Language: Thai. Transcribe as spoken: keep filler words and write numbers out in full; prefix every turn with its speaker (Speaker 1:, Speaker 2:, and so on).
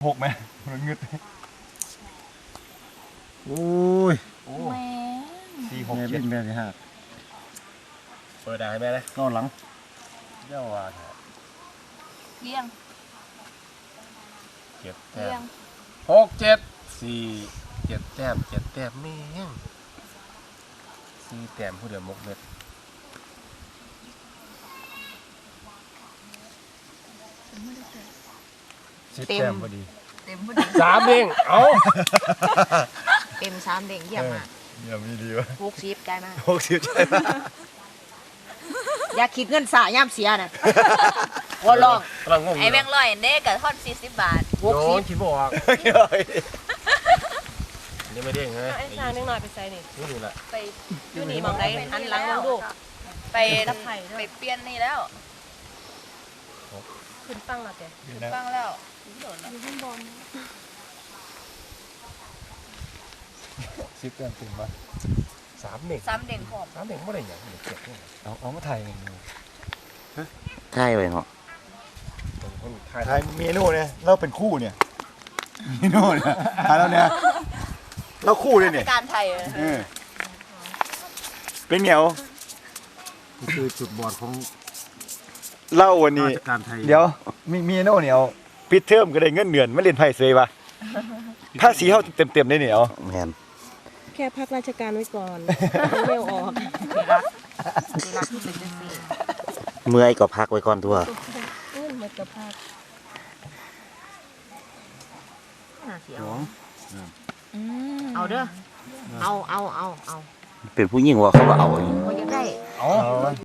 Speaker 1: หกไหมมันเงืดโอ้ยโอ้สี่หกเจ็ดแม่ที่ห้าเปิดได้ไหมเลยนอนหลังเจ้าว่า
Speaker 2: เลี้ยง
Speaker 3: เจ็ดแต้
Speaker 2: เลี้ย
Speaker 3: ม
Speaker 2: ง
Speaker 3: หกเจ็ดสี่เจ็ดแต้มเจ็ดแต้มแม่งสี่แต้มผู้เดียวมกเม็ดสิบแต้มพอดี
Speaker 2: เต็มพอดี
Speaker 3: สามเด้งเอา
Speaker 2: เต็มสามเด้งเยี่ยมมาก
Speaker 1: เยี่ยมดีวะ
Speaker 2: หกสิบได้มาก
Speaker 1: หกสิบใช่ไหม
Speaker 2: อย่าคิดเงินสะย่ำเสียน่ะว่าลอง
Speaker 3: กำลังงง
Speaker 4: ไอ้แบงค์ร้อยเน่กับทอดสี่สิบบาท
Speaker 2: หก
Speaker 3: โย
Speaker 2: สิบ
Speaker 3: นคิดบออกนี่ไม่เด้งใช่ไหม
Speaker 4: ไอ้ชาหนึ่งหน่อยไปใส่นี่
Speaker 3: นี่นี่แหละ
Speaker 4: ไปอยู่นี่มองได้หันหลังมองดูไป
Speaker 2: รับไผ่
Speaker 4: ไปเปลี่ยนนี่แล้ว
Speaker 2: ขึ้นฟังแล้วแก
Speaker 4: ฟังแล้ว
Speaker 1: สิบแต้มถึงปะ
Speaker 3: สามเด้ง
Speaker 4: ซ้ำเด่งผม
Speaker 3: สามเด้งไม่ได้อย่างเจ็ดเนี่ย
Speaker 1: เอาเอามาถ่าย
Speaker 5: ใช่ไปเนาะ
Speaker 3: ตรงคนไทย
Speaker 1: ถ่ายเมนูเนี่ยเราเป็นคู่เนี่ยเมนูเนี่ยถ่ายแล้วเนี่ยเราคู่เลยเนี่ย
Speaker 4: การไทย
Speaker 1: เออเป็นเหนียวนี่คือจุดบอดของเล่าวันนี้
Speaker 3: ราชการไทย
Speaker 1: เดี๋ยวมีมีโน่เหนียวปิดเทอมก็ได้เงินเดือนไม่เล่นไพ่เซยปะถ้าสีเขาเต็มเต็มๆได้เหนียว
Speaker 5: แมน
Speaker 6: แค่พักราชการไว้ก่อน ไม่เอาออก
Speaker 2: รักที่เป็นจังซี่
Speaker 5: เมื่อยก็พักไว้ก่อนตัว
Speaker 6: เอ้ยมันจะพัก
Speaker 2: น่าเสีย
Speaker 1: สอง
Speaker 2: เอาเด้อเอาเอาเอาเอา
Speaker 5: เป็นผู้หญิงว่าเขาก็เอาอย่างนี้
Speaker 2: บ่อยากได้
Speaker 1: เอา